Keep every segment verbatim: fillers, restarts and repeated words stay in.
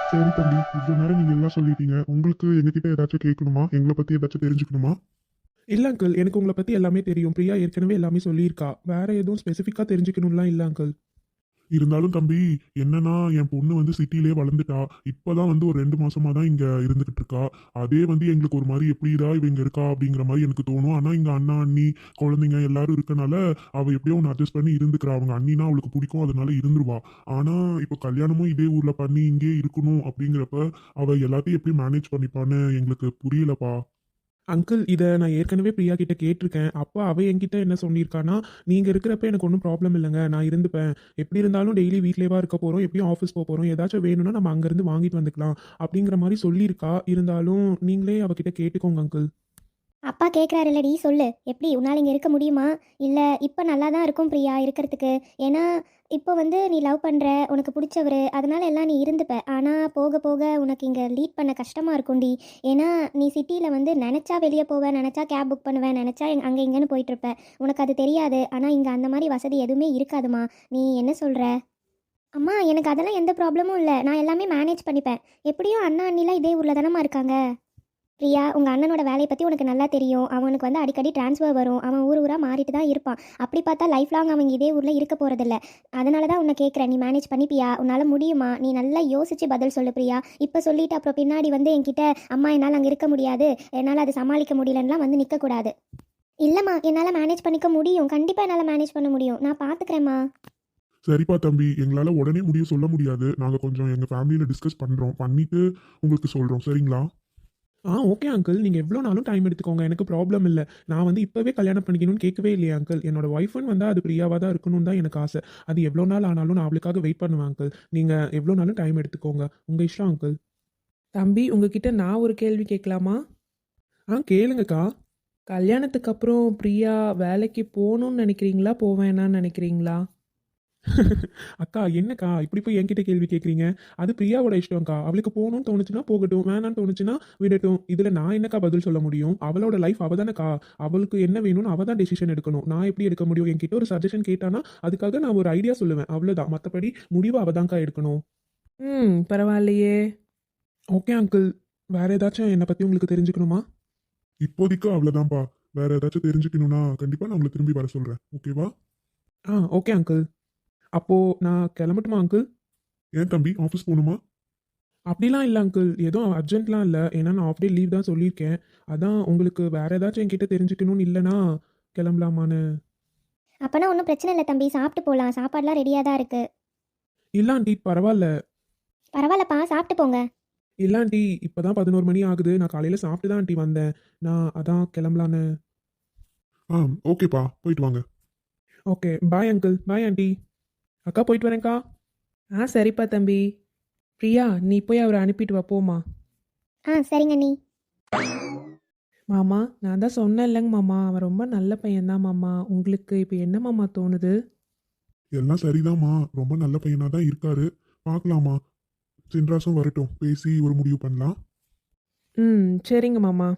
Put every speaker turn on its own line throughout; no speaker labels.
சரி தம்பி, இவ்வளோ நேரம் நீங்க எல்லாம் சொல்லிட்டீங்க. உங்களுக்கு எங்ககிட்ட ஏதாச்சும் கேட்கணுமா? எங்கள பத்தி ஏதாச்சும் தெரிஞ்சுக்கணுமா?
இல்ல அங்கிள். எனக்கு உங்கள பத்தி எல்லாமே தெரியும். பிரியா ஏற்கனவே எல்லாமே சொல்லியிருக்கா. வேற எதுவும் ஸ்பெசிஃபிக்கா தெரிஞ்சுக்கணும்லாம் இல்ல அங்கிள்.
இருந்தாலும் தம்பி, என்னன்னா என் பொண்ணு வந்து சிட்டிலயே வளர்ந்துட்டா. இப்பதான் வந்து ஒரு ரெண்டு மாசமா தான் இங்க இருந்துகிட்டு இருக்கா. அதே வந்து எங்களுக்கு ஒரு மாரி எப்படிடா இவ இங்க இருக்கா அப்படிங்கிற மாரி எனக்கு தோணும். ஆனா இங்க அண்ணா, அண்ணி, குழந்தைங்க எல்லாரும் இருக்கனால அவ எப்படியோ ஒண்ணு அட்ஜஸ்ட் பண்ணி இருந்துக்கிறா. அவங்க அண்ணினா அவளுக்கு பிடிக்கும். அதனால இருந்துருவா. ஆனா இப்ப கல்யாணமும் இதே ஊர்ல பண்ணி இங்கேயே இருக்கணும் அப்படிங்கிறப்ப அவ எல்லாத்தையும் எப்படி மேனேஜ் பண்ணிப்பான்னு எங்களுக்கு புரியலப்பா.
அங்கிள் இத நான் ஏற்கனவே பிரியா கிட்ட கேட்டிருக்கேன். அப்ப அவ என்கிட்ட என்ன சொல்லியிருக்கான்னா, "நீங்க இருக்கிறப்ப எனக்கு ஒண்ணும் ப்ராப்ளம் இல்லங்க. நான் இருந்துப்பேன். எப்படி இருந்தாலும் டெய்லி வீட்லயேவா இருக்க போறோம். எப்படியும் ஆஃபீஸ் போ போறோம். ஏதாச்சும் வேணும்னா நம்ம அங்கருந்து வாங்கிட்டு வந்துக்கலாம்." அப்படிங்கிற மாரி சொல்லியிருக்கா. இருந்தாலும் நீங்களே அவகிட்ட கேட்டுக்கோங்க அங்கிள்.
அப்பா கேட்குறாருல்லடி சொல்லு. எப்படி உன்னால் இங்கே இருக்க முடியுமா? இல்லை இப்போ நல்லா தான் இருக்கும் பிரியா இருக்கிறதுக்கு. ஏன்னா இப்போ வந்து நீ லவ் பண்ணுற, உனக்கு பிடிச்சவரு, அதனால எல்லாம் நீ இருந்துப்ப. ஆனால் போக போக உனக்கு இங்கே லீட் பண்ண கஷ்டமாக இருக்கும்டி. ஏன்னா நீ சிட்டியில் வந்து நினச்சா வெளியே போவேன், நினச்சா கேப் புக் பண்ணுவேன், நினச்சா அங்கே இங்கேன்னு போயிட்டுருப்ப. உனக்கு அது தெரியாது. ஆனால் இங்கே அந்த மாதிரி வசதி எதுவுமே இருக்காதுமா. நீ என்ன சொல்கிற? அம்மா எனக்கு அதெல்லாம் எந்த ப்ராப்ளமும் இல்லை. நான் எல்லாமே மேனேஜ் பண்ணிப்பேன். எப்படியும் அண்ணா அண்ணிலாம் இதே ஊரில் தானம்மா இருக்காங்க. பிரியா, உங்கள் அண்ணனோட வேலையை பற்றி உனக்கு நல்லா தெரியும். அவனுக்கு வந்து அடிக்கடி ட்ரான்ஸ்ஃபர் வரும். அவன் ஊர் ஊராக மாறிட்டு தான் இருப்பான். அப்படி பார்த்தா லைஃப் லாங் அவங்க இதே ஊரில் இருக்க போகிறதில்ல. அதனால தான் உன்னை கேட்குறேன். நீ மேனேஜ் பண்ணிப்பியா? உன்னால் முடியுமா? நீ நல்லா யோசிச்சு பதில் சொல்லு பிரியா. இப்போ சொல்லிட்டு அப்புறம் பின்னாடி வந்து என்கிட்ட அம்மா என்னால் அங்கே இருக்க முடியாது, என்னால் அதை சமாளிக்க முடியலன்னுலாம் வந்து நிற்கக்கூடாது. இல்லைம்மா, என்னால் மேனேஜ் பண்ணிக்க முடியும். கண்டிப்பாக என்னால் மேனேஜ் பண்ண முடியும். நான் பார்த்துக்கிறேம்மா.
சரிப்பா தம்பி, எங்களால உடனே முடிவு சொல்ல முடியாது. நாங்க கொஞ்சம் எங்க ஃபேமிலியில டிஸ்கஸ் பண்றோம். பண்ணிட்டு உங்களுக்கு சொல்றோம். சரிங்களா?
ஆ ஓகே அங்கிள். நீங்க எவ்வளோ நாளும் டைம் எடுத்துக்கோங்க. எனக்கு ப்ராப்ளம் இல்ல. நான் வந்து இப்பவே கல்யாணம் பண்ணிக்கணும்னு கேட்கவே இல்லையே அங்கிள். என்னோட ஒய்ஃப்ன்னு வந்தா அது பிரியாவா தான் இருக்கணும்னு தான் எனக்கு ஆசை. அது எவ்வளோ நாள் ஆனாலும் நான் அவளுக்காக வெயிட் பண்ணுவேன் அங்கிள். நீங்க எவ்வளோ நாளும் டைம் எடுத்துக்கோங்க. உங்க இஷ்டம் அங்கிள்.
தம்பி, உங்ககிட்ட நான் ஒரு கேள்வி கேட்கலாமா?
ஆ கேளுங்கக்கா.
கல்யாணத்துக்கு அப்புறம் பிரியா வேலைக்கு போகணும்னு நினைக்கிறீங்களா, போவேணான்னு நினைக்கிறீங்களா?
அக்கா என்னக்கா இப்படி போய் என்கிட்ட கேள்வி கேட்குறீங்க? அது பிரியாவோட இஷ்டம்க்கா. அவளுக்கு போகணும்னு தோணுச்சுன்னா போகட்டும். வேணான்னு தோணுச்சுன்னா விடட்டும். இதுல நான் என்னக்கா பதில் சொல்ல முடியும்? அவளோட லைஃப் அவ தானக்கா. அவளுக்கு என்ன வேணும்னு அவ தான் டெசிஷன் எடுக்கணும். நான் எப்படி எடுக்க முடியும்? என்கிட்ட ஒரு சஜஷன் கேட்டானா அதுக்காக நான் ஒரு ஐடியா சொல்லுவேன். அவ்வளோதான். மற்றபடி முடிவு அவ தான்க்கா எடுக்கணும்.
ம், பரவாயில்லையே.
Okay uncle. வேற ஏதாச்சும் என்னை பத்தி உங்களுக்கு தெரிஞ்சுக்கணுமா?
இப்போதைக்கு அவ்வளவுதான்ப்பா. வேற ஏதாச்சும் தெரிஞ்சுக்கணும்னா கண்டிப்பா நான் உங்களை திரும்பி வர சொல்றேன். ஓகேவா?
ஆ ஓகே அங்கிள். அப்போ நான் கிளம்பட்டுமா அங்கிள்?
ஏன் தம்பி, ஆஃபீஸ் போகணுமா?
அப்படிலாம் இல்லை அங்கிள். எதுவும் அர்ஜென்ட்லாம் இல்லை. ஏன்னா நான் ஆஃப் டே லீவ் தான் சொல்லியிருக்கேன். அதான் உங்களுக்கு வேற ஏதாச்சும் என்கிட்ட தெரிஞ்சுக்கணும்னு இல்லைனா கிளம்பலாமான்னு.
அப்போனா ஒன்றும் பிரச்சனை இல்லை தம்பி. சாப்பிட்டு போகலாம். சாப்பாடுலாம் ரெடியாக தான் இருக்குது.
இல்ல ஆண்டி பரவாயில்ல.
பரவாயில்லப்பா, சாப்பிட்டு போங்க.
இல்ல ஆண்டி இப்பதான் பதினோரு மணி ஆகுது. நான் காலையில சாப்பிட்டு தான் ஆண்டி வந்தேன். நான் அதான் கிளம்பலான்னு.
ஆ, ஓகேப்பா. போயிட்டு வாங்க.
Okay bye uncle. Bye aunty. அக்கா போயிட்டு வரேன்க்கா.
ஆ சரிப்பா தம்பி. பிரியா, நீ போய் அவரை அனுப்பிட்டு வா, போமா.
ஆ சரிங்க நீ.
மாமா, நான் தான் சொன்னேன் இல்லைங்க மாமா, அவன் ரொம்ப நல்ல பையன்தான் மாமா. உங்களுக்கு இப்போ என்ன மாமா தோணுது?
எல்லாம் சரிதாம்மா. ரொம்ப நல்ல பையனா தான் இருக்காரு. பார்க்கலாமா. சின்ராசும் வரட்டும். பேசி ஒரு முடிவு பண்ணலாம்.
ம், சரிங்க மாமா.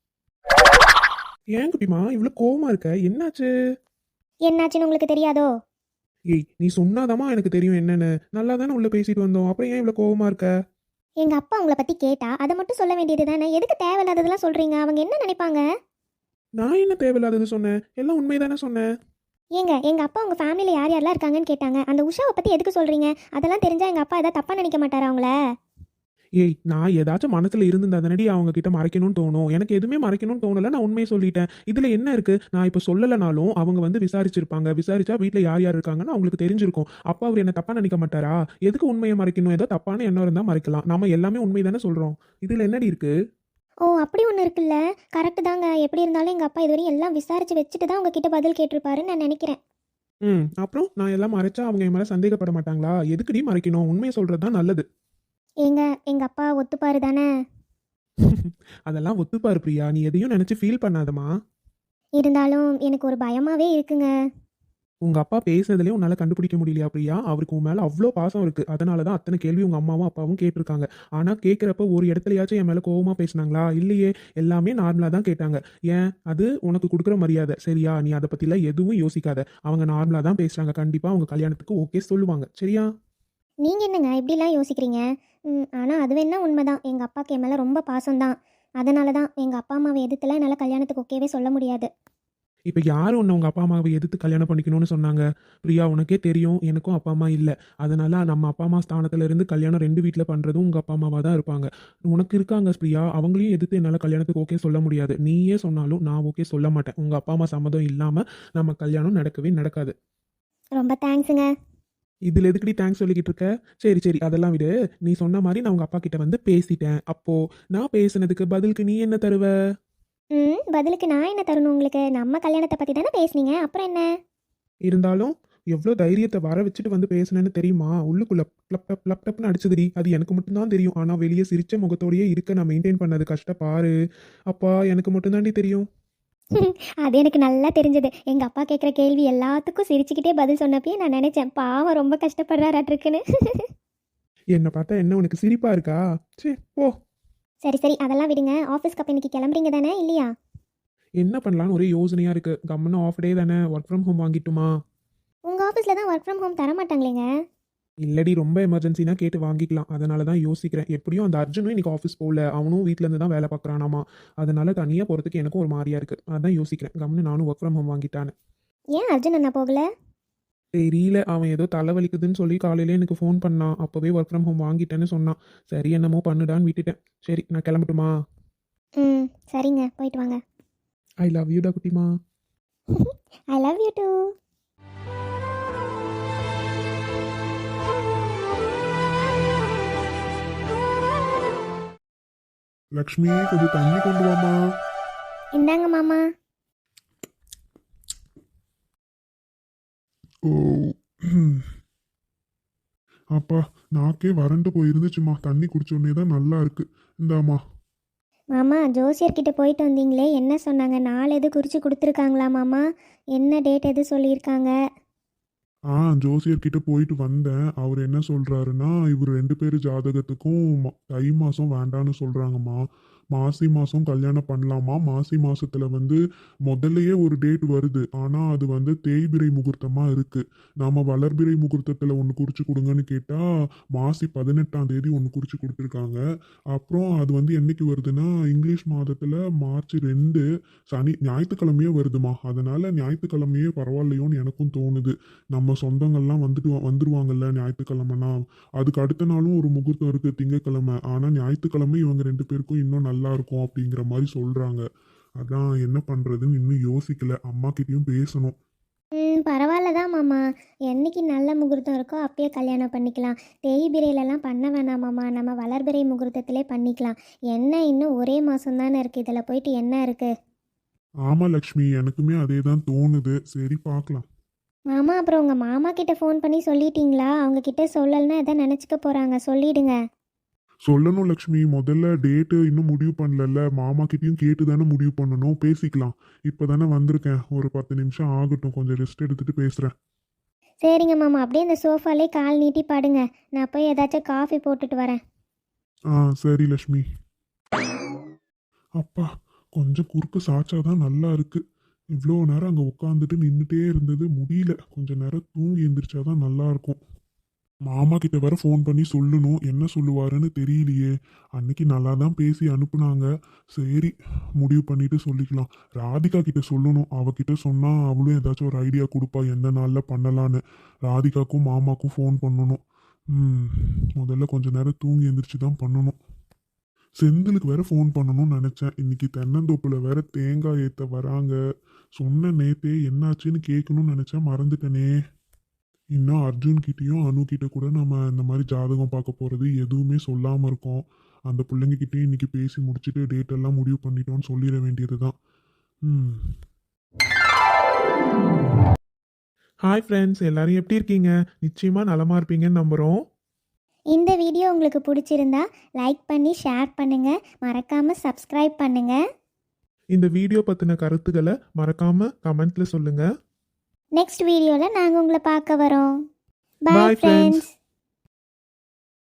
ஏன் குட்டிமா இவ்வளோ கோவமா இருக்க? என்னாச்சு?
என்னாச்சுன்னு உங்களுக்கு தெரியாதோ?
ஏய் நீ சொன்னாதாம்மா எனக்கு தெரியும் என்னன்னு. நல்லா தானே உள்ள பேசிட்டு வந்தோம். அப்புறம் ஏன் இவ்வளோ கோவமா இருக்க?
எங்கள் அப்பா உங்களை பற்றி கேட்டா அதை மட்டும் சொல்ல வேண்டியது தானே. எதுக்கு தேவையில்லாததெல்லாம் சொல்கிறீங்க? அவங்க என்ன நினைப்பாங்க?
நான் என்ன தேவையில்லாதது சொன்னேன்? எல்லாம் உண்மைதானே சொன்னேன்.
ஏங்க, எங்கள் அப்பா உங்கள் ஃபேமிலியில் யார் யாரெல்லாம் இருக்காங்கன்னு கேட்டாங்க. அந்த உஷாவை பற்றி எதுக்கு சொல்கிறீங்க? அதெல்லாம் தெரிஞ்சால் எங்கள் அப்பா எதாவது தப்பாக நினைக்க மாட்டாரா அவங்கள?
ஏய் நான் ஏதாச்சும் மனசுல இருந்திருந்தா தானடி அவங்க கிட்ட மறைக்கணும்னு தோணும். எனக்கு எதுவுமே மறைக்கணும்னு தோணல. நான் உண்மையை சொல்லிட்டேன். இதுல என்ன இருக்கு? நான் இப்ப சொல்லலைனாலும் அவங்க வந்து விசாரிச்சிருப்பாங்க. விசாரிச்சா வீட்ல யார் யார் இருக்காங்கன்னு அவங்களுக்கு தெரிஞ்சிருக்கும். அப்பா அவர் என்ன தப்பா நினைக்க மாட்டாரா? எதுக்கு உண்மையை மறைக்கணும்? ஏதோ தப்பான எண்ணம் இருந்தா மறைக்கலாம். நம்ம எல்லாமே உண்மை தானே சொல்றோம். இதுல என்னடி இருக்கு?
ஓ, அப்படி ஒன்று இருக்குல்ல. கரெக்டு தாங்க. எப்படி இருந்தாலும் எங்கள் அப்பா இதுவரையும் எல்லாம் விசாரித்து வச்சுட்டு தான் உங்ககிட்ட பதில் கேட்டிருப்பாருன்னு நான் நினைக்கிறேன்.
ம் அப்புறம் நான் எல்லாம் மறைச்சா அவங்க என் மேல சந்தேகப்பட மாட்டாங்களா? எதுக்குடி மறைக்கணும்? உண்மையை சொல்றது தான் நல்லது.
ஏங்க, எங்கள் அப்பா ஒத்துப்பாரு தானே?
அதெல்லாம் ஒத்துப்பாரு பிரியா. நீ எதையும் நினைச்சு ஃபீல் பண்ணாதமா.
இருந்தாலும் எனக்கு ஒரு பயமாகவே இருக்குங்க.
உங்க அப்பா பேசுறதுலயே உன்னால கண்டுபிடிக்க முடியலையா பிரியா? அவருக்கு உன் மேல அவ்வளோ பாசம் இருக்கு. அதனால தான் அத்தனை கேள்வி உங்க அம்மாவும் அப்பாவும் கேட்டிருக்காங்க. ஆனா கேட்கிறப்ப ஒரு இடத்துலயாச்சும் என் மேல கோவமா பேசுனாங்களா? இல்லையே. எல்லாமே நார்மலா தான் கேட்டாங்க. ஏன்? அது உனக்கு கொடுக்குற மரியாதை. சரியா? நீ அதை பத்திலாம் எதுவும் யோசிக்காத. அவங்க நார்மலா தான் பேசுறாங்க. கண்டிப்பா அவங்க கல்யாணத்துக்கு ஓகே சொல்லுவாங்க. சரியா?
நீங்கள் என்னங்க இப்படிலாம் யோசிக்கிறீங்க? ம் ஆனால் அது வேணா உண்மைதான். எங்கள் அப்பாவுக்கு என் மேலே ரொம்ப பாசம்தான். அதனால தான் எங்கள் அப்பா அம்மாவை எதிர்த்துலாம் என்னால் கல்யாணத்துக்கு ஓகேவே சொல்ல முடியாது.
இப்போ யார் உன்னை உங்கள் அப்பா அம்மாவை எதிர்த்து கல்யாணம் பண்ணிக்கணும்னு சொன்னாங்க? பிரியா, உனக்கே தெரியும் எனக்கும் அப்பா அம்மா இல்லை. அதனால நம்ம அப்பா அம்மா ஸ்தானத்துல இருந்து கல்யாணம் ரெண்டு வீட்டில் பண்ணுறதும் உங்கள் அப்பா அம்மாவாக தான் இருப்பாங்க. உனக்கு இருக்காங்க பிரியா, அவங்களையும் எதிர்த்து என்னால் கல்யாணத்துக்கு ஓகே சொல்ல முடியாது. நீயே சொன்னாலும் நான் ஓகே சொல்ல மாட்டேன். உங்கள் அப்பா அம்மா சம்மதம் இல்லாமல் நம்ம கல்யாணம் நடக்கவே நடக்காது.
ரொம்ப தேங்க்ஸுங்க.
இதில் எதுக்கடி தேங்க்ஸ் சொல்லிக்கிட்டு இருக்க? சரி சரி, அதெல்லாம் விடு. நீ சொன்ன மாதிரி நான் உங்கள் அப்பா கிட்ட வந்து பேசிட்டேன். அப்போ நான் பேசுனதுக்கு பதிலுக்கு நீ என்ன தருவ?
ம் பதிலுக்கு நான் என்ன தரணும் உங்களுக்கு? நம்ம கல்யாணத்தை பற்றி தானே பேசுனீங்க, அப்புறம் என்ன?
இருந்தாலும் எவ்வளோ தைரியத்தை வர வச்சுட்டு வந்து பேசுனேன்னு தெரியுமா? உள்ளுக்குள்ள ப்ளப் லேப்டாப்னு அடிச்சதுடி. அது எனக்கு மட்டும்தான் தெரியும். ஆனால் வெளியே சிரிச்ச முகத்தோடையே இருக்க நான் மெயின்டைன் பண்ணது கஷ்டப்பாரு. அப்பா, எனக்கு மட்டும்தாண்டி தெரியும்.
அது எனக்கு நல்லா தெரிஞ்சது. எங்கள் அப்பா கேட்குற கேள்வி எல்லாத்துக்கும் சிரிச்சுக்கிட்டே பதில் சொன்னப்பயே நான் நினச்சேன், பாவம் ரொம்ப கஷ்டப்படுறாராட்டிருக்குன்னு.
என்னை பார்த்தா என்ன உனக்கு சிரிப்பா இருக்கா? சரி போ.
சரி சரி, அதெல்லாம் விடுங்க. ஆஃபீஸ்க்கு அப்போ இன்னைக்கு கிளம்புறீங்க தானே, இல்லையா?
என்ன பண்ணலான்னு ஒரே யோசனையாக இருக்குது. கம்முன்னு ஆஃப் டே தானே, ஒர்க் ஃப்ரம் ஹோம் வாங்கிட்டுமா?
உங்கள் ஆஃபீஸில் தான் ஒர்க் ஃப்ரம் ஹோம் தர மாட்டாங்களேங்க.
இல்லடி, ரொம்ப எமர்ஜென்சினா கேட்டு வாங்கிக்கலாம். அதனால தான் யோசிக்கிறேன். எப்படியும் அந்த அர்ஜுனும் இன்னைக்கு ஆஃபீஸ் போகல. அவனும் வீட்டில் இருந்து தான் வேலை பார்க்குறானாமா. அதனால தனியாக போகிறதுக்கு எனக்கும் ஒரு மாதிரியா இருக்குது. அதான் யோசிக்கிறேன், கம்முன்னு நானும் ஒர்க் ஃப்ரம் ஹோம் வாங்கிட்டான்னு.
ஏன் அர்ஜுன் அண்ணா போகல?
தெரியல, அவன் ஏதோ தலைவலிக்குதுன்னு சொல்லி காலையில எனக்கு ஃபோன் பண்ணான். அப்போவே ஒர்க் ஃப்ரம் ஹோம் வாங்கிட்டேன்னு சொன்னான். சரி, என்னமோ பண்ணுடான்னு விட்டுட்டேன். சரி, நான் கிளம்பட்டுமா?
ம் சரிங்க, போயிட்டு வாங்க.
ஐ லவ் யூ டா குட்டிமா.
I love you too.
Lakshmi, கொஞ்சம் தண்ணி கொண்டு வாமா.
இந்தாங்க மாமா.
ஓ ம். அப்பா, நாக்கே வறண்டு போயிருந்துச்சுமா. தண்ணி குடிச்ச உடனே தான் நல்லா இருக்கு. இந்தாம்மா.
மாமா, ஜோசியர்கிட்ட போயிட்டு வந்தீங்களே, என்ன சொன்னாங்க? நாள் எது குறித்து கொடுத்துருக்காங்களா மாமா? என்ன டேட் எது சொல்லியிருக்காங்க?
ஆ ஜோசியர்கிட்ட போயிட்டு வந்தேன். அவர் என்ன சொல்றாருன்னா, இவர் ரெண்டு பேர் ஜாதகத்துக்கும் ம- தை மாதம் வேண்டான்னு சொல்றாங்கம்மா. மாசி மாதம் கல்யாணம் பண்ணலாமா. மாசி மாசத்துல வந்து முதல்லயே ஒரு டேட் வருது. ஆனால் அது வந்து தேய்பிறை முகூர்த்தமாக இருக்கு. நாம வளர்பிறை முகூர்த்தத்தில் ஒன்று குறிச்சு கொடுங்கன்னு கேட்டால் மாசி பதினெட்டாம் தேதி ஒன்று குறிச்சு கொடுத்துருக்காங்க. அப்புறம் அது வந்து என்னைக்கு வருதுன்னா, இங்கிலீஷ் மாதத்தில் மார்ச் ரெண்டு சனி ஞாயிற்றுக்கிழமையே வருதுமா. அதனால ஞாயிற்றுக்கிழமையே பரவாயில்லையோன்னு எனக்கும் தோணுது. நம்ம சொந்தங்கள்லாம் வந்துட்டு வா- வந்துருவாங்கல்ல ஞாயிற்றுக்கிழமைனா. அதுக்கு அடுத்த நாளும் ஒரு முகூர்த்தம் இருக்கு திங்கக்கிழமை. ஆனால் ஞாயிற்றுக்கிழமை இவங்க ரெண்டு பேருக்கும் இன்னும் நல்லா இருக்கும் அப்படிங்கிற மாதிரி சொல்றாங்க. அதான் என்ன பண்றதுன்னு இன்னும் யோசிக்கல. அம்மா கிட்டயும் பேசணும்.
ம் பரவாயில்ல தான் மாமா. என்னைக்கு நல்ல முகூர்த்தம் இருக்கோ அப்பயே கல்யாணம் பண்ணிக்கலாம். தேய்பிரையிலலாம் பண்ண வேணாம் மாமா. நம்ம வளர்பிறை முகூர்த்தத்திலே பண்ணிக்கலாம். என்ன இன்னும் ஒரே மாதம் தானே இருக்குது, இதில் போயிட்டு என்ன இருக்குது?
ஆமா லக்ஷ்மி, எனக்குமே அதே தான் தோணுது. சரி பார்க்கலாம்.
மாமா, அப்புறம் உங்கள் மாமா கிட்ட ஃபோன் பண்ணி சொல்லிட்டீங்களா? அவங்க கிட்ட சொல்லலைன்னா எதை நினச்சிக்க போகிறாங்க, சொல்லிடுங்க.
சொல்லணும் லக்ஷ்மி. முதல்ல டேட்டு இன்னும் முடிவு பண்ணல. மாமா கிட்டயும் கேட்டு தானே முடிவு பண்ணணும். பேசிக்கலாம். இப்போ தானே வந்திருக்கேன். ஒரு பத்து நிமிஷம் ஆகட்டும். கொஞ்சம் ரெஸ்ட் எடுத்துட்டு பேசுகிறேன்.
சரிங்க மாமா, அப்படியே இந்த சோஃபாலே கால் நீட்டி பாடுங்க. நான் போய் ஏதாச்சும் காஃபி போட்டுட்டு வரேன்.
ஆ சரி லக்ஷ்மி. அப்பா, கொஞ்சம் குறுக்கு சாச்சாதான் நல்லா இருக்கு. இவ்வளோ நேரம் அங்கே உட்காந்துட்டு நின்றுட்டே இருந்தது முடியல. கொஞ்ச நேரம் தூங்கி எந்திரிச்சாதான் நல்லா இருக்கும். மாமா கிட்ட வேற ஃபோன் பண்ணி சொல்லணும். என்ன சொல்லுவாருன்னு தெரியலையே. அன்னைக்கு நல்லா தான் பேசி அனுப்புனாங்க. சரி, முடிவு பண்ணிட்டு சொல்லிக்கலாம். ராதிகா கிட்ட சொல்லணும். அவகிட்ட சொன்னா அவளும் ஏதாச்சும் ஒரு ஐடியா கொடுப்பா எந்த நாளில் பண்ணலான்னு. ராதிகாக்கும் மாமாக்கும் ஃபோன் பண்ணணும். ம் முதல்ல கொஞ்ச நேரம் தூங்கி எந்திரிச்சு தான் பண்ணணும். செந்திலுக்கு வேற ஃபோன் பண்ணணும்னு நினச்சேன். இன்னைக்கு தென்னந்தோப்புல வேற தேங்காய் ஏற்ற வராங்க. சொன்ன நேத்தே என்னாச்சுன்னு கேட்கணும்னு நினச்சேன், மறந்துட்டேனே. இன்னும் அர்ஜுன் கிட்டேயும் அனு கிட்ட கூட நம்ம இந்த மாதிரி ஜாதகம் பார்க்க போகிறது எதுவுமே சொல்லாமல் இருக்கோம். அந்த பிள்ளைங்க கிட்டேயும் இன்னைக்கு பேசி முடிச்சுட்டு டேட் எல்லாம் முடிவு பண்ணிட்டோம்னு சொல்லிட வேண்டியது தான். ம்
ஹாய் ஃப்ரெண்ட்ஸ், எல்லாரும் எப்படி இருக்கீங்க? நிச்சயமாக நலமாக இருப்பீங்கன்னு நம்புகிறோம்.
இந்த வீடியோ உங்களுக்கு பிடிச்சிருந்தா லைக் பண்ணி ஷேர் பண்ணுங்கள். மறக்காமல் சப்ஸ்கிரைப் பண்ணுங்கள்.
இந்த வீடியோ பற்றின கருத்துக்களை மறக்காமல் கமெண்ட்டில் சொல்லுங்கள்.
நெக்ஸ்ட் வீடியோவில் நாங்கள் உங்களை பார்க்க வரோம்.
Bye,
bye
friends.
ஃப்ரெண்ட்ஸ்.